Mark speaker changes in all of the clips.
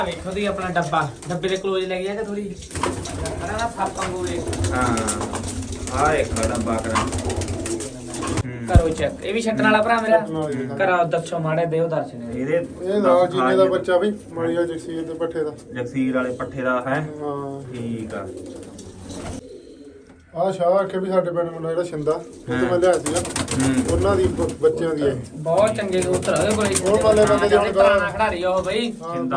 Speaker 1: ਵੇਖੋ ਦੀ ਆਪਣਾ ਡੱਬੇ ਦੇ ਕਲੋਜ਼ ਲੈ ਗਿਆ ਕਿ ਥੋੜੀ ਕਰਾਂ ਨਾ ਫਾਪਾਂ ਗੋਲੇ।
Speaker 2: ਹਾਂ ਆ ਇੱਕ ਡੱਬਾ ਕਰਾਂ
Speaker 1: ਕਰੋ ਚੈੱਕ। ਇਹ ਵੀ ਛੱਟਣ ਵਾਲਾ ਭਰਾ ਮੇਰਾ। ਕਰਾ ਦੱਸੋ ਮਾੜੇ ਦਿਓ ਦਰਸ਼ਨ।
Speaker 2: ਇਹ
Speaker 3: ਲਾਲ ਜੀਨੇ ਦਾ ਬੱਚਾ ਵੀ ਮਾੜੀਆ ਜਗਸੀਰ ਦੇ ਪੱਠੇ ਦਾ।
Speaker 2: ਜਗਸੀਰ ਵਾਲੇ ਪੱਠੇ ਦਾ ਹੈ।
Speaker 3: ਹਾਂ
Speaker 2: ਠੀਕ ਆ।
Speaker 3: ਆ ਸ਼ਾਹ ਆਖੇ ਵੀ ਸਾਡੇ ਪਿੰਡ ਮੁੰਡਾ ਜਿਹੜਾ ਛਿੰਦਾ ਉਹ ਤੋਂ ਮੈਂ ਲਿਆ ਸੀਗਾ ਉਹਨਾਂ ਦੀ ਬੱਚਿਆਂ ਦੀ ਇਹ
Speaker 1: ਬਹੁਤ ਚੰਗੇ ਕਬੂਤਰ ਉਹਦੇ ਕੋਲ।
Speaker 3: ਉਹ ਵਾਲੇ ਬੰਦੇ ਜਿਹੜੇ
Speaker 1: ਪੁਰਾਣਾ ਖਿਡਾਰੀ ਉਹ ਬਈ।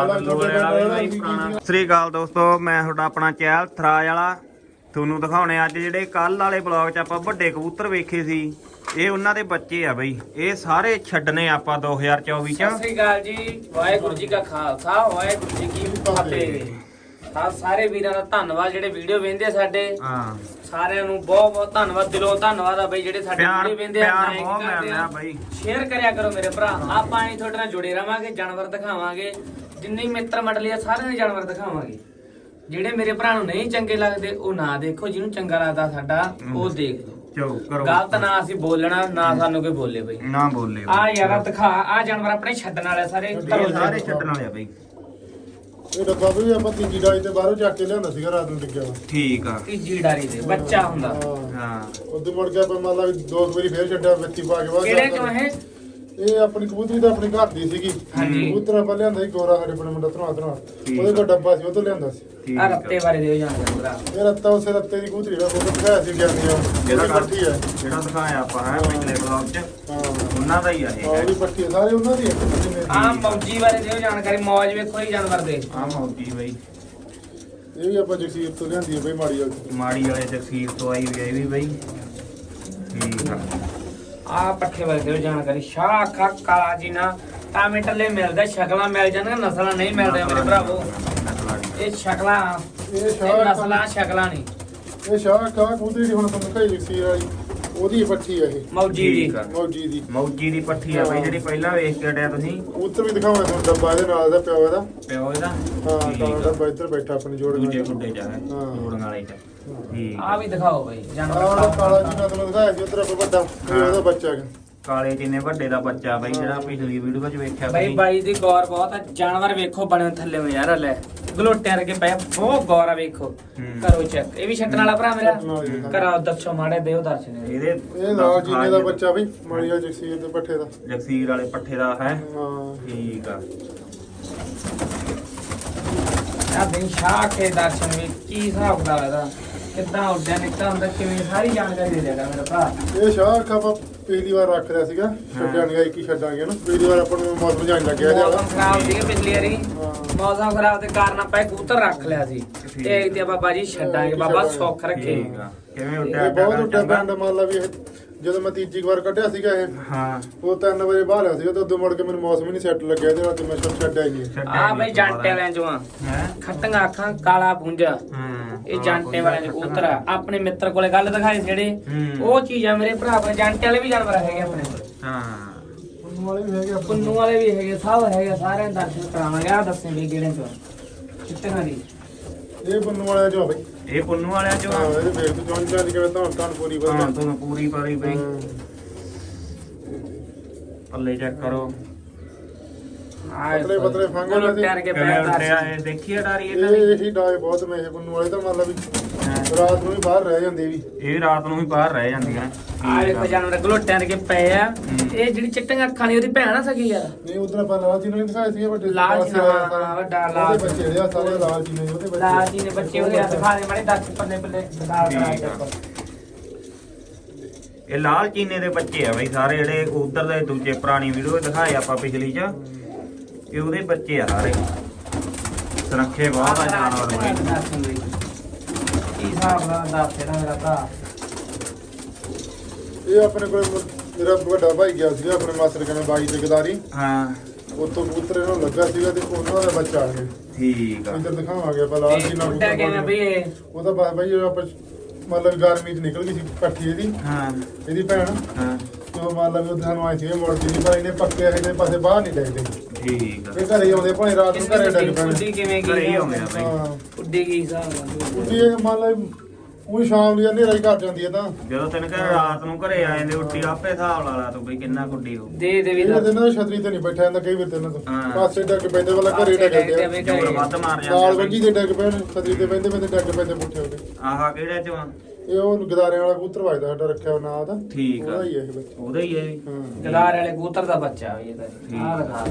Speaker 2: ਸਤਿ ਸ੍ਰੀ ਅਕਾਲ ਦੋਸਤੋ, ਮੈਂ ਤੁਹਾਡਾ ਆਪਣਾ ਚਹਿਲ ਥਰਾਜ ਵਾਲਾ ਤੁਹਾਨੂੰ ਦਿਖਾਉਣੇ ਅੱਜ ਜਿਹੜੇ ਕੱਲ ਵਾਲੇ ਬਲੌਗ 'ਚ ਆਪਾਂ ਵੱਡੇ ਕਬੂਤਰ ਵੇਖੇ ਸੀ। ਇਹ ਉਹਨਾਂ ਦੇ ਬੱਚੇ ਆ ਬਈ। ਇਹ ਸਾਰੇ ਛੱਡਨੇ ਆਪਾਂ 2024 ਚ।
Speaker 1: ਸਤਿ ਸ੍ਰੀ ਅਕਾਲ ਜੀ। ਵਾਹਿਗੁਰੂ ਜੀ ਕਾ ਖਾਲਸਾ ਵਾਹਿਗੁਰੂ ਜੀ ਕੀ ਫਤਿਹ। ਸਾਰੇ ਵੀਰਾਂ ਦਾ ਧੰਨਵਾਦ ਜਿਹੜੇ ਵੀਡੀਓ ਵੇਖਦੇ ਸਾਡੇ।
Speaker 2: ਹਾਂ
Speaker 1: ਸਾਰਿਆਂ ਨੂੰ ਬਹੁਤ ਬਹੁਤ ਧੰਨਵਾਦ, ਦਿਲੋਂ ਧੰਨਵਾਦ ਆ ਬਈ ਜਿਹੜੇ ਸਾਡੇ ਵੀਡੀਓ ਵੇਖਦੇ ਆ।
Speaker 2: ਬਹੁਤ ਮਿਲਦਾ ਬਈ।
Speaker 1: ਸ਼ੇਅਰ ਕਰਿਆ ਕਰੋ ਮੇਰੇ ਭਰਾ। ਆਪਾਂ ਐਂ ਤੁਹਾਡੇ ਨਾਲ ਜੁੜੇ ਰਵਾਂਗੇ, ਜਾਨਵਰ ਦਿਖਾਵਾਂਗੇ। ਜਿੰਨੇ ਮਿੱਤਰ ਮੰਡਲੀ ਆ ਸਾਰਿਆਂ ਦੇ ਜਾਨਵਰ ਦਿਖਾਵਾਂਗੇ। ਜਿਹੜੇ ਮੇਰੇ ਭਰਾ ਨੂੰ ਨਹੀਂ ਚੰਗੇ ਲੱਗਦੇ ਉਹ ਨਾ ਦੇਖੋ, ਜਿਹਨੂੰ ਚੰਗਾ ਲੱਗਦਾ ਸਾਡਾ ਉਹ ਦੇਖ ਲਓ।
Speaker 2: ਚਲੋ ਕਰੋ।
Speaker 1: ਗਲਤ ਨਾ ਅਸੀਂ ਬੋਲਣਾ ਨਾ ਸਾਨੂੰ ਕੋਈ ਬੋਲੇ ਬਈ।
Speaker 2: ਨਾ ਬੋਲੇ
Speaker 1: ਆ ਯਾਰ ਦਿਖਾ। ਆ ਜਾਨਵਰ ਆਪਣੇ ਛੱਡਣ ਵਾਲੇ ਸਾਰੇ ਘਰੋਂ
Speaker 2: ਸਾਰੇ ਛੱਡਣ ਵਾਲੇ ਆ ਬਈ।
Speaker 3: ਇਹ ਡੱਬਾ ਵੀ ਆਪਾਂ ਤੀਜੀ ਡਾਈ ਤੇ ਬਾਹਰੋਂ ਚੱਕ ਕੇ ਲਿਆਂਦਾ ਸੀਗਾ ਰਾਤ ਨੂੰ ਡਿੱਗਿਆ ਵਾ।
Speaker 2: ਠੀਕ ਆ।
Speaker 1: ਤੀਜੀ ਡਾਰੀ ਦੇ ਬੱਚਾ ਹੁੰਦਾ।
Speaker 2: ਹਾਂ
Speaker 3: ਉਦੋਂ ਮੁੜ ਕੇ ਆਪਾਂ ਮੰਨ ਲਾ ਵੀ ਦੋ ਵਾਰੀ ਫੇਰ ਛੱਡਿਆ ਬੱਚੀ ਪਾ ਕੇ ਬਾਅਦ
Speaker 1: ਕਿਹੜੇ ਚੋਂ
Speaker 3: ਇਹ ਆਪਣੀ ਕਬੂਤਰੀ ਤਾਂ ਆਪਣੀ ਘਰ ਦੀ ਸੀਗੀ। ਕਬੂਤਰ ਆਪਾਂ ਲਿਆਂਦਾ ਸੀ ਗੋਰਾ ਸਾਡੇ ਪਿੰਡ ਮੁੰਡਾ ਧਰਵਾ ਉਹਦੇ ਕੋਲ ਡੱਬਾ ਸੀ ਉਹ ਤੋਂ ਲਿਆਂਦਾ ਸੀ।
Speaker 1: ਆ ਰੱਤੇ ਬਾਰੇ ਦਿਓ ਜਾਣਕਾਰੀ ਭਰਾ।
Speaker 3: ਇਹ ਰੱਤਾ ਉਸੇ ਰੱਤੇ ਦੀ ਕਬੂਤਰੀ ਦਾ ਫੋਟੋ ਦਿਖਾਇਆ ਸੀ ਗਿਆਨੀ ਆ।
Speaker 2: ਜਿਹੜਾ
Speaker 3: ਪੱਠੀ ਹੈ
Speaker 2: ਜਿਹੜਾ ਦਿਖਾਇਆ ਆਪਾਂ ਹੈ ਪਿਛਲੇ ਬਲੌਗ 'ਚ
Speaker 3: ਹਾਂ
Speaker 2: ਉਹਨਾਂ ਦਾ ਹੀ ਆ ਇਹ।
Speaker 3: ਉਹਦੀ ਪੱਠੀ ਸਾਰੇ ਉਹਨਾਂ ਦੀ
Speaker 1: ਆ ਮੌਜੀ ਬਾਰੇ ਦਿਓ ਜਾਣਕਾਰੀ। ਮੌਜ ਵੇਖੋ ਹੀ ਜਾਨਵਰ ਦੇ।
Speaker 2: ਆ ਮੌਜੀ ਬਈ।
Speaker 3: ਇਹ ਵੀ ਆਪਾਂ ਜਗਸੀਰ ਤੋਂ ਲਿਆਂਦੀ ਹੈ ਬਈ ਮਾੜੀ ਵਾਲੀ।
Speaker 2: ਮਾੜੀ ਵਾਲੇ ਜਗਸੀਰ ਤੋਂ ਆਈ ਵੀ ਇਹ ਵੀ ਬਈ। ਠੀਕ ਆ।
Speaker 1: ਆ ਪੱਠੇ ਬਾਰੇ ਦਿਓ ਜਾਣਕਾਰੀ। ਸ਼ਾਹ ਅੱਖਾਂ ਕਾਲਾ ਜੀ ਨਾ ਟਾਮੇਟਲੇ ਮਿਲਦਾ, ਸ਼ਕਲਾਂ ਮਿਲ ਜਾਂਦੀਆਂ, ਨਸਲਾਂ ਨਹੀਂ ਮਿਲਦੀਆਂ ਮੇਰੇ ਭਰਾਵੋ। ਇਹ ਸ਼ਕਲਾਂ ਇਹ ਨਸਲਾਂ ਸ਼ਕਲਾਂ ਨਹੀਂ।
Speaker 3: ਇਹ ਸ਼ਾਹ ਕਾ ਕਬੂਤਰੀ ਦੀ ਹੁਣ ਤੁਹਾਨੂੰ ਦਿਖਾਈ ਜਗਸੀਰ ਵਾਲੀ ਉਹਦੀ ਪੱਠੀ ਹੈ ਇਹ
Speaker 1: ਮੌਜੀ ਦੀ।
Speaker 3: ਮੌਜੀ ਦੀ
Speaker 2: ਮੌਜੀ ਦੀ ਪੱਠੀ ਆ ਬਈ ਜਿਹੜੀ ਪਹਿਲਾਂ ਵੇਖ ਕੇ ਹਟਿਆ ਤੁਸੀਂ।
Speaker 3: ਕਬੂਤਰ ਵੀ ਦਿਖਾਵਾਂ ਤੁਹਾਨੂੰ ਡੱਬਾ ਇਹਦੇ ਨਾਲ ਦਾ ਪਿਓ ਇਹਦਾ।
Speaker 2: ਪਿਓ ਇਹਦਾ
Speaker 3: ਹਾਂ ਤਾਂ ਡੱਬਾ ਇੱਧਰ ਬੈਠਾ ਆਪਣੀ ਜੋੜ
Speaker 2: ਦੂਜੇ ਖੁੱਡੇ 'ਚ ਹੈ ਜੋੜਨ ਵਾਲੇ 'ਚ। ਠੀਕ
Speaker 1: ਆ ਵੀ ਦਿਖਾਓ ਬਈ ਜਾਨਵਰ।
Speaker 3: ਆਹ ਕਾਲਾ ਜੀ ਨਾਲ ਤੁਹਾਨੂੰ ਦਿਖਾਇਆ ਸੀ ਉੱਧਰ ਆਪਾਂ ਵੱਡਾ ਉਹਦਾ ਬੱਚਾ ਹੈਗਾ।
Speaker 2: ਕਾਲੇ ਚੀਨੇ ਵੱਡੇ ਦਾ ਬੱਚਾ ਬਈ ਜਿਹੜਾ ਪਿਛਲੀ ਵੀਡੀਓ 'ਚ ਵੇਖਿਆ
Speaker 1: ਬਈ ਬਾਈ ਦੀ ਗੌਰ ਬਹੁਤ ਆ। ਜਾਨਵਰ ਵੇਖੋ ਬਣੇ ਥੱਲੇ ਨੂੰ ਯਾਰ। ਲੈ ਗਲੋਟਿਆਂ ਵਰਗੇ ਪਏ, ਬਹੁਤ ਗੌਰ ਆ ਵੇਖੋ। ਕਰੋ ਚੈੱਕ। ਇਹ ਵੀ ਛੱਟਣ ਵਾਲਾ ਭਰਾ ਮੇਰਾ। ਕਰਾ ਦੱਸੋ ਮਾੜੇ ਦਿਓ ਦਰਸ਼ਨ।
Speaker 3: ਇਹ ਲਾਲ ਜੀਨੇ ਦਾ ਬੱਚਾ ਵੀ ਮਾੜੀਆ ਜਗਸੀਰ ਦੇ ਪੱਠੇ ਦਾ।
Speaker 2: ਜਗਸੀਰ ਵਾਲੇ ਪੱਠੇ ਦਾ ਹੈ।
Speaker 3: ਹਾਂ
Speaker 2: ਠੀਕ ਆ।
Speaker 1: ਆ ਬਈ ਸ਼ਾਹ ਕੇ ਦਰਸ਼ਨ ਵੀ ਕੀ ਹਿਸਾਬ ਦਾ ਇਹਦਾ, ਕਿੱਦਾਂ ਉੱਡਿਆ ਨਿਕਲਦਾ ਹੁੰਦਾ, ਕਿਵੇਂ ਸਾਰੀ ਜਾਣਕਾਰੀ ਦੇ ਦੇਗਾ ਮੇਰਾ ਭਰਾ।
Speaker 3: ਇਹ ਸ਼ਾਹ ਆਪਾਂ ਪਹਿਲੀ ਵਾਰ ਰੱਖ ਰਿਹਾ ਸੀਗਾ। ਛੱਡਿਆ ਨਹੀਂ ਕੀ ਛੱਡਾਂਗੇ ਨਾ। ਪਹਿਲੀ ਵਾਰ ਆਪਾਂ ਨੂੰ ਮੌਸਮ ਜਾਣ ਲੱਗਿਆ
Speaker 1: ਮੌਸਮ ਖਰਾਬ ਸੀ ਪਿਛਲੀ ਵਾਰੀ। ਮੌਸਮ ਖਰਾਬ ਦੇ ਕਾਰਨ ਆਪਾਂ ਇਹ ਕਬੂਤਰ ਰੱਖ ਲਿਆ ਸੀ ਤੇ ਤੇ ਬਾਬਾ ਜੀ ਛੱਡਾਂਗੇ। ਬਾਬਾ ਸੁੱਖ ਰੱਖੇ।
Speaker 2: ਠੀਕ ਆ। ਕਿਵੇਂ
Speaker 3: ਇਹ
Speaker 2: ਉੱਡਿਆ
Speaker 3: ਬਹੁਤ ਉੱਡਿਆ ਪਿੰਡ ਮੰਨ ਲਾ ਵੀ ਇਹ ਜਦੋਂ ਮੈਂ ਤੀਜੀ ਵਾਰ ਕੱਢਿਆ ਸੀਗਾ ਇਹ
Speaker 2: ਹਾਂ
Speaker 3: ਉਹ 3 ਵਜੇ ਬਾਹਰ ਆ ਸੀਗਾ ਤੇ ਉਦੋਂ ਮੁੜ ਕੇ ਮੈਨੂੰ ਮੌਸਮ ਹੀ ਨਹੀਂ ਸੈੱਟ ਲੱਗਿਆ ਇਹਦੇ ਨਾਲ ਤੇ ਮੈਂ ਛੱਡਿਆ ਹੀ ਨਹੀਂ।
Speaker 1: ਆ ਬਈ ਜਾਂਟੇ ਵਾਲਿਆਂ ਚੋਂ ਆ।
Speaker 2: ਹੈ।
Speaker 1: ਖੱਟੀਆਂ ਅੱਖਾਂ ਕਾਲਾ ਪੁੰਜਾ।
Speaker 2: ਹਾਂ
Speaker 1: ਇਹ ਜਾਂਟੇ ਵਾਲਿਆਂ ਦੇ ਕਬੂਤਰ ਆ। ਆਪਣੇ ਮਿੱਤਰ ਕੋਲੇ ਗੱਲ ਦਿਖਾਏ ਜਿਹੜੇ ਉਹ ਚੀਜ਼ ਆ ਮੇਰੇ ਭਰਾ। ਆਪਣੇ ਜਾਂਟੇ ਵਾਲੇ ਵੀ ਜਾਨਵਰ ਹੈਗੇ ਆਪਣੇ ਕੋਲ।
Speaker 2: ਹਾਂ
Speaker 3: ਪੁੰਨੂ ਵਾਲੇ ਵੀ ਹੈਗੇ
Speaker 1: ਪੁੰਨੂ ਵਾਲੇ ਵੀ ਹੈਗੇ, ਸਭ ਹੈਗੇ। ਸਾਰਿਆਂ ਦੇ ਦਰਸ਼ਨ ਕਰਾਵਾਂਗੇ। ਆ ਦੱਸੇ ਵੀ ਕਿਹੜੇ ਚੋਂ ਚਿੱਟੀਆਂ ਦੀ।
Speaker 3: ਇਹ ਪੁੰਨੂ ਵਾਲਿਆਂ ਚੋਂ ਆ ਬਈ।
Speaker 2: ਇਹ ਪੁੰਨੂ ਵਾਲਿਆਂ ਚੋਂ
Speaker 3: ਹਾਂ ਇਹਦੇ ਵੇਖ ਤੂੰ ਜੌਨ ਚਾਹ ਕਿਵੇਂ ਤਾਂ ਪੂਰੀ
Speaker 2: ਹਾਂ
Speaker 3: ਵਧੀਆ।
Speaker 2: ਤੁਹਾਨੂੰ ਪੂਰੀ ਪਾਰੀ ਬਈ। ਪੱਲੇ ਚੈੱਕ ਕਰੋ।
Speaker 3: ਪਤਲੇ ਪਤਲੇ ਫੰਗਲ ਇਹਦੇ।
Speaker 1: ਟੈਰ ਕੇ
Speaker 2: ਕਿਵੇਂ
Speaker 1: ਪੈਰ
Speaker 2: ਉੱਡਿਆ
Speaker 1: ਦਰਸ਼ਨ।
Speaker 2: ਇਹ ਦੇਖੀਏ ਡਾਰੀ ਇਹਨਾਂ ਦੀ।
Speaker 3: ਇਹ ਇਹੀ ਡਾਏ ਬਹੁਤ ਮੈਂ ਇਹ ਪੁੰਨੂ ਵਾਲੇ ਤਾਂ ਮੰਨ ਲਾ ਵੀ ਰਾਤ ਨੂੰ ਵੀ ਬਾਹਰ ਰਹਿ ਜਾਂਦੇ ਵੀ।
Speaker 2: ਇਹ ਰਾਤ ਨੂੰ ਵੀ ਬਾਹਰ ਰਹਿ ਜਾਂਦੀਆਂ।
Speaker 1: ਆ ਵੇਖੋ ਜਾਨਵਰ ਗਲੋਟਿਆਂ ਦੇ ਕੇ ਪਏ ਆ। ਇਹ ਜਿਹੜੀ ਚਿੱਟੀਆਂ ਅੱਖਾਂ ਦੀ ਉਹਦੀ ਭੈਣ ਆ ਸਕੀ ਯਾਰ।
Speaker 3: ਨਹੀਂ ਉਧਰ ਆਪਾਂ ਲਾਲ ਜੀ ਨੂੰ ਵੀ ਦਿਖਾਏ ਸੀ ਵੱਡੇ
Speaker 1: ਲਾਲ ਜੀ
Speaker 3: ਸਾਰਾ
Speaker 1: ਵੱਡਾ ਲਾਲ
Speaker 3: ਉਹਦੇ ਬੱਚੇ ਆ ਸਾਰੇ ਲਾਲ ਜੀ ਨੇ ਉਹਦੇ ਬੱਚੇ।
Speaker 1: ਲਾਲ ਜੀ ਨੇ ਬੱਚੇ ਉਹਦੇ ਹੱਥ ਦਿਖਾ ਦੇ ਮਾੜੇ ਦਰਸ਼ਨ ਪੱਲੇ ਪੱਲੇ ਦਿਖਾ ਦੇ।
Speaker 2: ਇਹ ਲਾਲ ਚੀਨੇ ਦੇ ਬੱਚੇ ਆ ਬਈ ਸਾਰੇ ਜਿਹੜੇ ਉਧਰ ਦੇ ਦੂਜੇ ਪੁਰਾਣੀ ਵੀਡੀਓ ਦਿਖਾਏ ਆਪਾਂ ਪਿਛਲੀ 'ਚ। ਇਹ ਉਹਦੇ ਬੱਚੇ ਆ ਸਾਰੇ। ਸੁਰੱਖੇ ਬਹੁਤ ਆ ਜਾਨਵਰ ਬਈ।
Speaker 1: ਕੀ ਹਿਸਾਬ ਨਾਲ ਦੱਸ ਇਹਦਾ ਮੇਰਾ ਭਰਾ।
Speaker 3: ਇਹ ਆਪਣੇ ਕੋਲ ਮੇਰਾ ਵੱਡਾ ਭਾਈ ਗਿਆ ਸੀਗਾ ਆਪਣੇ ਮਾਸਟਰ ਕਨੇ ਬਾਈ ਤੇ ਗਦਾਰੀ।
Speaker 2: ਹਾਂ
Speaker 3: ਉੱਥੋਂ ਕਬੂਤਰ ਇਹਨੂੰ ਲੱਗਾ ਸੀਗਾ ਤੇ ਉਹਨਾਂ ਦਾ ਬੱਚਾ ਆ ਗਿਆ।
Speaker 2: ਠੀਕ ਆ।
Speaker 3: ਇੱਧਰ ਦਿਖਾਵਾਂਗੇ ਆਪਾਂ ਲਾਲ ਜੀ ਨਾਲ
Speaker 1: ਉੱਡਿਆ ਕਿਵੇਂ ਬਈ ਇਹ?
Speaker 3: ਉਹਦਾ ਬਾਈ ਜਦੋਂ ਆਪਾਂ ਮਤਲਬ ਗਰਮੀ ਚ ਨਿਕਲ ਗਈ ਸੀ ਪੱਠੀ ਇਹਦੀ
Speaker 2: ਹਾਂ
Speaker 3: ਇਹਦੀ ਭੈਣ।
Speaker 2: ਹਾਂ
Speaker 3: ਤੇ ਉਹ ਮੰਨ ਲਾ ਵੀ ਉਹਦੇ ਸਾਨੂੰ ਆਏ ਸੀ ਮੁੜਦੀ ਨਹੀਂ ਪਰ ਇਹਨੇ ਪੱਕੇ ਇਹਦੇ ਪਾਸੇ ਬਾਹਰ ਨਹੀਂ ਡੈਗਦੇ।
Speaker 2: ਠੀਕ ਆ।
Speaker 3: ਇਹ ਘਰੇ ਆਉਂਦੇ ਭਾਵੇਂ ਰਾਤ ਨੂੰ ਘਰੇ ਡੈਗ ਪੈਣ।
Speaker 1: ਉੱਡੀ ਕਿਵੇਂ
Speaker 2: ਘਰੇ ਹੀ
Speaker 1: ਗਈ?
Speaker 2: ਆਉਂਦੇ ਆ ਬਈ।
Speaker 3: ਹਾਂ
Speaker 1: ਉੱਡੀ ਕੀ ਹਿਸਾਬ ਨਾਲ?
Speaker 3: ਉੱਡੀ ਇਹ ਮੰਨ ਲਾ ਉਹ ਸ਼ਾਮ ਦੀ ਹਨੇਰਾ ਹੀ ਘਰ ਜਾਂਦੀ ਹੈ ਤਾਂ
Speaker 2: ਜਦੋਂ ਤੈਨੂੰ ਕਹ ਰਾਤ ਨੂੰ ਘਰੇ ਆ ਜਾਂਦੇ ਉੱਟੀ ਆਪੇ ਹਿਸਾਬ ਲਾ ਲਾ ਤੂੰ ਬਈ ਕਿੰਨਾ ਕੁੱਡੀ ਹੋ
Speaker 1: ਦੇ ਦੇ ਵੀ
Speaker 3: ਇਹ ਦਿਨ ਨਾ ਛਤਰੀ ਤੇ ਨਹੀਂ ਬੈਠਾ ਜਾਂਦਾ ਕਈ ਵਾਰ ਤੇ ਇਹਨਾਂ ਤੋਂ
Speaker 2: ਹਾਂ।
Speaker 3: ਪਾਸੇ ਡੱਕ ਪੈਂਦੇ ਵਾਲਾ ਘਰੇ ਡੱਕਦੇ ਆ
Speaker 2: ਜੋਰ ਵੱਧ ਮਾਰ
Speaker 3: ਨਾਲ
Speaker 2: ਜਾਂਦੇ
Speaker 3: ਵੱਜੀ ਦੇ ਡੱਕ ਪੈਣ ਛਤਰੀ ਤੇ ਪੈਂਦੇ ਪੈਂਦੇ ਡੱਕ ਪੈਂਦੇ ਪੁੱਠੇ ਹੋ ਕੇ
Speaker 2: ਆਹਾ ਕਿਹੜੇ ਚ ਵਾ?
Speaker 3: ਇਹ ਉਹ ਗਦਾਰਿਆਂ ਵਾਲਾ ਕਬੂਤਰ ਵੱਜਦਾ ਸਾਡਾ ਰੱਖਿਆ ਉਹ ਨਾਂ ਉਹਦਾ
Speaker 2: ਠੀਕ ਆ
Speaker 3: ਉਹਦਾ ਹੀ ਹੈ ਇਹ ਬੱਚਾ
Speaker 2: ਉਹਦਾ ਹੀ ਹੈ ਇਹ।
Speaker 3: ਹਾਂ
Speaker 1: ਗਲਾਰ ਵਾਲੇ ਕਬੂਤਰ ਦਾ ਬੱਚਾ ਵੀ ਇਹਦਾ ਆਹ ਦਿਖਾ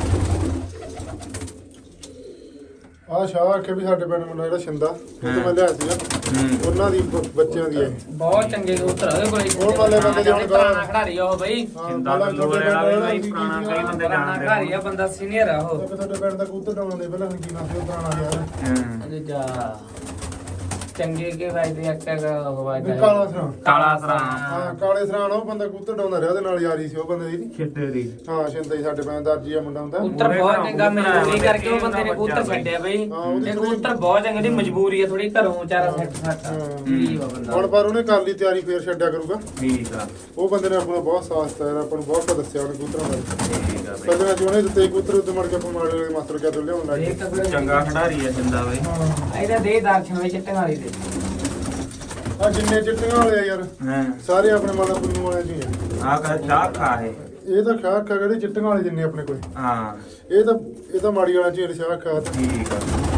Speaker 3: ਆਹ ਸ਼ਾਹ ਆਖੇ ਵੀ ਸਾਡੇ ਪਿੰਡ ਮੁੰਡਾ ਜਿਹੜਾ ਛਿੰਦਾ ਉਹ ਤੋਂ ਮੈਂ ਲਿਆ ਸੀਗਾ
Speaker 2: ਹੂੰ
Speaker 3: ਉਹਨਾਂ ਦੀ ਬੱਚਿਆਂ ਦੀ ਹੈ
Speaker 1: ਬਹੁਤ ਚੰਗੇ ਕਬੂਤਰ ਆ ਉਹਦੇ ਕੋਲੇ
Speaker 3: ਉਹ ਵਾਲੇ ਬੰਦੇ ਜਿਹੜੇ
Speaker 1: ਪੁਰਾਣਾ ਖਿਡਾਰੀ ਆ ਉਹ ਬਈ
Speaker 2: ਛਿੰਦਾ ਲੋਰੇ ਵਾਲਾ ਵੀ ਬਾਈ ਪੁਰਾਣਾ ਕਈ ਬੰਦੇ
Speaker 1: ਪੁਰਾਣਾ
Speaker 2: ਜਾਣਦੇ
Speaker 1: ਖਿਡਾਰੀ ਆ ਬੰਦਾ ਸੀਨੀਅਰ ਆ ਉਹ
Speaker 3: ਸਾਡੇ ਪਿੰਡ ਦਾ ਕਬੂਤਰ ਡਾਉਣ ਦੇ ਪਹਿਲਾਂ ਕੀ ਨਾਮ ਸੀ ਉਹ ਪੁਰਾਣਾ ਯਾਰ
Speaker 2: ਹਾਂ
Speaker 1: ਅਜੇ ਜਾ ਚੰਗੇ ਕੇ ਵਾਜਦੇ ਅੱਕਾ ਉਹ ਵਾਜਦਾ
Speaker 3: ਕਾਲਾ ਸਰਾਂ
Speaker 2: ਕਾਲਾ ਸਰਾਂ
Speaker 3: ਹਾਂ ਕਾਲੇ ਸਰਾਂ ਉਹ ਬੰਦਾ ਕਬੂਤਰ ਡਾਉਂਦਾ ਰਿਹਾ ਉਹਦੇ ਨਾਲ ਯਾਰੀ ਸੀ ਉਹ ਬੰਦੇ ਦੀ
Speaker 2: ਛਿੱਟੇ ਦੀ
Speaker 3: ਹਾਂ ਛਿੰਦਾ ਹੀ ਸਾਡੇ ਪਿੰਡ ਦਰਜੀ ਆ ਮੁੰਡਾ ਹੁੰਦਾ
Speaker 1: ਕਬੂਤਰ ਬਹੁਤ ਚੰਗਾ ਮਜਬੂਰੀ ਕਰਕੇ ਉਹ ਬੰਦੇ ਨੇ ਕਬੂਤਰ ਛੱਡਿਆ ਬਈ ਇਹ ਕਬੂਤਰ ਬਹੁਤ ਚੰਗੇ ਦੀ ਮਜਬੂਰੀ ਆ ਥੋੜੀ ਘਰੋਂ ਵਿਚਾਰਾ ਸੈੱਟ ਸੱਟ ਗਰੀਬ ਆ ਬੰਦਾ
Speaker 3: ਹੁਣ ਪਰ ਉਹਨੇ ਕਰ ਲਈ ਤਿਆਰੀ ਫੇਰ ਛੱਡਿਆ ਕਰੂਗਾ
Speaker 2: ਠੀਕ ਆ
Speaker 3: ਉਹ ਬੰਦੇ ਨੇ ਆਪਣਾ ਬਹੁਤ ਸਾਥ ਦਿੱਤਾ ਯਾਰ ਆਪਾਂ ਨੂੰ ਬਹੁਤ ਕੁਝ ਦੱਸਿਆ ਉਹਨੇ ਕਬੂਤਰਾਂ ਬਾਰੇ
Speaker 2: ਠੀਕ ਆ
Speaker 3: ਪਹਿਲੇ ਮੈਂ ਉਹਨੇ ਦਿੱਤੇ ਕਬੂਤਰ ਉੱਤੇ ਮੜ ਕੇ ਆਪਾਂ ਮਾਰੇ ਵਾਲੇ ਮਾਸਟਰ ਕਿਆ ਤੋਂ ਲਿਆਉਣ ਲੱਗ
Speaker 1: ਇਹ
Speaker 3: ਗਏ
Speaker 1: ਤਾਂ
Speaker 2: ਬਈ ਚੰਗਾ ਖਿਡਾਰੀ ਆ ਛਿੰਦਾ ਬਈ
Speaker 1: ਇਹਦਾ ਦੇ ਦਰਸ਼ਨ ਵਿੱਚ ਚਿੱਟੇ ਵਾਲੀ ਦੇ
Speaker 3: ਆ ਜਿੰਨੇ ਚਿੱਟੀਆਂ ਵਾਲੇ ਆ ਯਾਰ
Speaker 2: ਹਾਂ
Speaker 3: ਸਾਰੇ ਆਪਣੇ ਮਾਲਾ ਪੁੰਨੂ ਵਾਲੇ ਜੀ ਆ
Speaker 2: ਆ ਕਰ ਚਾਹ ਖਾ ਹੈ
Speaker 3: ਇਹ ਤਾਂ ਖਾ ਖਾ ਜਿਹੜੇ ਚਿੱਟੀਆਂ ਵਾਲੇ ਜਿੰਨੇ ਆਪਣੇ ਕੋਲ
Speaker 2: ਹਾਂ
Speaker 3: ਇਹ ਤਾਂ ਮਾੜੀ ਵਾਲਾ ਚੀਰ ਸ਼ਾਹ ਖਾ
Speaker 2: ਠੀਕ ਆ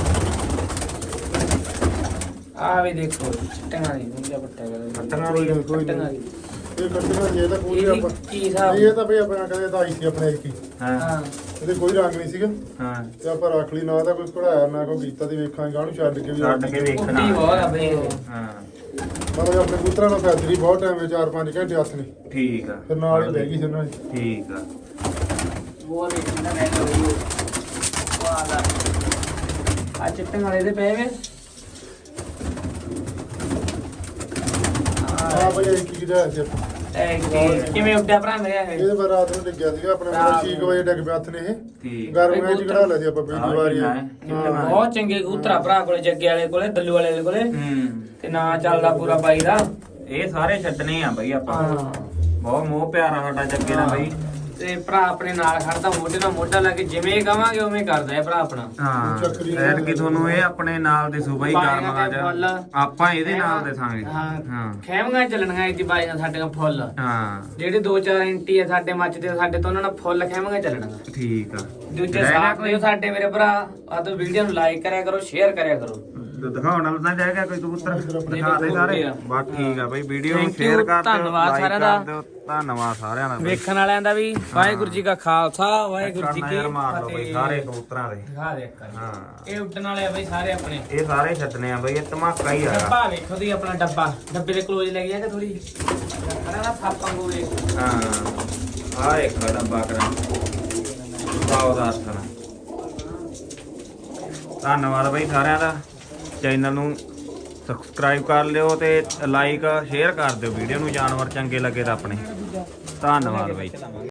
Speaker 1: ਆ ਵੀ ਦੇਖੋ ਚਿੱਟੇ ਵਾਲੀ ਦੁਨੀਆ ਪੱਟਿਆ ਕਰ
Speaker 2: ਪੱਟੀਆਂ ਵਾਲੀ
Speaker 3: ਕੋਈ
Speaker 1: ਚਿੱਟੇ
Speaker 3: ਨਹੀਂ
Speaker 1: ਵਾਲੀ
Speaker 3: ਇਹ ਕੱਟੀਆਂ ਦੀ ਇਹ ਤਾਂ ਪੂਰੀ
Speaker 1: ਇਹਦੀ
Speaker 3: ਆਪਾਂ
Speaker 1: ਕੀ ਹਿਸਾਬ
Speaker 3: ਨਹੀਂ ਇਹ ਤਾਂ ਬਈ ਆਪਣਾ ਕਦੇ ਤਾਂ ਆਈ ਸੀ ਆਪਣੇ ਇੱਕ ਹੀ
Speaker 2: ਹਾਂ
Speaker 1: ਹਾਂ
Speaker 3: ਇਹਦੇ ਕੋਈ ਰੰਗ ਨਹੀਂ ਸੀਗਾ
Speaker 2: ਹਾਂ
Speaker 3: ਤੇ ਆਪਾਂ ਰੱਖ ਲਈ ਨਾ ਤਾਂ ਕੋਈ ਕਢਾਇਆ ਨਾ ਕੋਈ ਕੀਤਾ ਤੇ ਵੇਖਾਂਗੇ ਗਾਣੂ ਛੱਡ ਕੇ ਵੀ
Speaker 2: ਛੱਡ ਕੇ ਵੇਖਣਾ
Speaker 1: ਉੱਡੀ ਬਹੁਤ ਆ ਬਈ ਇਹ।
Speaker 2: ਹਾਂ
Speaker 3: ਮਤਲਬ ਆਪਣੇ ਕਬੂਤਰਾਂ ਨਾਲ ਫੈਦਰੀ ਬਹੁਤ ਟਾਈਮ ਵਿੱਚ 4-5 ਘੰਟੇ ਹੱਥ ਨੇ
Speaker 2: ਠੀਕ ਆ
Speaker 3: ਫਿਰ ਨਾਲ ਹੀ ਲੈ ਗਈ ਸੀ ਉਹਨਾਂ ਦੀ
Speaker 2: ਠੀਕ ਆ
Speaker 1: ਉਹ ਦੇਖਣਾ ਮੈਂ ਵਾਲਾ ਆ ਚਿੱਟੇ ਵਾਲੇ ਦੇ ਪਏ ਵੇ
Speaker 3: ਆ ਬਈ ਇਹ ਕੀ ਜਿਹੜਾ ਸੀ ਆਪਾਂ।
Speaker 1: ਕਿਵੇਂ ਉੱਡਿਆ ਭਰਾ ਮੇਰੇ ਇਹ
Speaker 3: ਇਹਦੇ ਬਾਅਦ ਰਾਤ ਨੂੰ ਡਿੱਗਿਆ ਸੀਗਾ ਆਪਣੇ ਮਤਲਬ 6 ਵਜੇ ਡਿੱਗ ਪਿਆ ਹੱਥ ਨੇ ਇਹ
Speaker 2: ਠੀਕ
Speaker 3: ਗਰਮ ਵਿੱਚ ਕਢਾ ਲਿਆ ਸੀ ਆਪਾਂ
Speaker 2: ਆਹ
Speaker 3: ਪਹਿਲੀ ਵਾਰੀ
Speaker 2: ਕਿੰਨਾ ਹੈ?
Speaker 3: ਹਾਂ
Speaker 1: ਬਹੁਤ ਚੰਗੇ ਕਬੂਤਰ ਆ ਭਰਾ ਕੋਲੇ ਜੱਗੇ ਵਾਲੇ ਕੋਲੇ ਦੱਲੂ ਵਾਲੇ ਕੋਲੇ
Speaker 2: ਹੂੰ
Speaker 1: ਤੇ ਨਾ ਚੱਲਦਾ ਪੂਰਾ ਬਾਈ ਦਾ
Speaker 2: ਇਹ ਸਾਰੇ ਛੱਡਣੇ ਆ ਬਈ ਆਪਾਂ
Speaker 1: ਹਾਂ
Speaker 2: ਬਹੁਤ ਮੋਹ ਪਿਆਰਾ ਸਾਡਾ ਜੱਗੇ ਨਾਲ ਬਈ
Speaker 1: ਤੇ ਭਰਾ ਆਪਣੇ ਨਾਲ ਖੜਦਾ ਮੋਢੇ ਨਾਲ ਮੋਢਾ ਲਾ ਕੇ ਜਿਵੇਂ ਕਵਾਂਗੇ ਉਵੇਂ ਕਰਦਾ ਹੈ ਭਰਾ ਆਪਣਾ
Speaker 2: ਹਾਂ
Speaker 3: ਚੱਕਰੀ
Speaker 2: ਐਡ ਕਿ ਤੁਹਾਨੂੰ ਇਹ ਆਪਣੇ ਨਾਲ ਦੇ ਸੂਬਾ ਹੀ
Speaker 1: ਬਾਈਆਂ
Speaker 2: ਕਰਮਾ
Speaker 1: ਤੇ ਫੁੱਲ।
Speaker 2: ਆਪਾਂ ਇਹਦੇ ਨਾਲ ਦੇਸਾਂਗੇ
Speaker 1: ਹਾਂ
Speaker 2: ਹਾਂ
Speaker 1: ਖੈਮੀਆਂ ਚੱਲਣੀਆਂ ਇਹਦੀ ਬਾਈਆਂ ਸਾਡੀਆਂ ਫੁੱਲ
Speaker 2: ਹਾਂ
Speaker 1: ਜਿਹੜੇ 2-4 ਇੰਟੀ ਆ ਸਾਡੇ ਮੱਚ ਦੇ ਸਾਡੇ ਤੋਂ ਉਹਨਾਂ ਨਾਲ ਫੁੱਲ ਖੈਮੀਆਂ ਚੱਲਣੀਆਂ
Speaker 2: ਠੀਕ ਆ
Speaker 1: ਦੂਜੇ ਸਾਥ ਦਿਓ ਸਾਡੇ ਮੇਰੇ ਭਰਾ ਆ ਤਾਂ ਵੀਡੀਓ ਨੂੰ ਲਾਈਕ ਕਰਿਆ ਕਰੋ ਸ਼ੇਅਰ ਕਰਿਆ ਕਰੋ
Speaker 2: ਦਿਖਾਉਣ ਨਾਲ ਤਾਂ ਜਾਏਗਾ ਕੋਈ ਕਬੂਤਰ ਦਿਖਾ ਦੇ
Speaker 1: ਬਹੁਤ
Speaker 2: ਸਾਰੇ
Speaker 1: ਆ।
Speaker 2: ਬਸ ਠੀਕ ਆ ਬਈ ਵੀਡੀਓ ਨੂੰ
Speaker 1: Thank
Speaker 2: ਸ਼ੇਅਰ
Speaker 1: you,
Speaker 2: ਕਰ ਦਿਓ
Speaker 1: ਧੰਨਵਾਦ
Speaker 2: like
Speaker 1: ਸਾਰਿਆਂ ਦਾ।
Speaker 2: ਕਰ ਦਿਓ, ਧੰਨਵਾਦ ਸਾਰਿਆਂ ਦਾ ਬਈ।
Speaker 1: ਵੇਖਣ ਵਾਲਿਆਂ ਦਾ ਵੀ ਵਾਹਿਗੁਰੂ ਜੀ ਕਾ ਖਾਲਸਾ ਵਾਹਿਗੁਰੂ ਜੀ
Speaker 2: ਕਰਨਾ
Speaker 1: ਕੀ
Speaker 2: ਯਾਰ ਮਾਰ ਲਓ ਬਈ
Speaker 1: ਫਤਿਹ।
Speaker 2: ਸਾਰੇ ਕਬੂਤਰਾਂ ਦੇ
Speaker 1: ਦਿਖਾ ਦੇ ਇੱਕ ਵਾਰੀ।
Speaker 2: ਹਾਂ
Speaker 1: ਇਹ ਉੱਡਣ ਵਾਲੇ ਆ ਬਈ ਸਾਰੇ ਆਪਣੇ
Speaker 2: ਇਹ ਸਾਰੇ ਛੱਡਣੇ ਆ ਬਈ ਇਹ ਧਮਾਕਾ ਹੀ ਆ
Speaker 1: ਡੱਬਾ ਵੇਖੋ ਦੀ ਆਪਣਾ ਡੱਬੇ ਦੇ ਕਲੋਜ਼ ਲੈ ਗਿਆ ਕਿ ਥੋੜੀ ਖੜਾ ਨਾ ਥਾਪਾਂ ਗੋਲੇ
Speaker 2: ਹਾਂ ਆ ਇੱਕ ਡੱਬਾ ਕਰਾਂ ਬਾਉ ਧੰਨਵਾਦ ਬਈ ਸਾਰਿਆਂ ਦਾ ਚੈਨਲ ਨੂੰ ਸਬਸਕ੍ਰਾਈਬ ਕਰ ਲਿਓ ਤੇ ਲਾਈਕ ਸ਼ੇਅਰ ਕਰ ਦਿਓ ਵੀਡੀਓ ਨੂੰ ਜਾਨਵਰ ਚੰਗੇ ਲੱਗੇ ਤਾਂ ਆਪਣੇ ਧੰਨਵਾਦ ਬਈ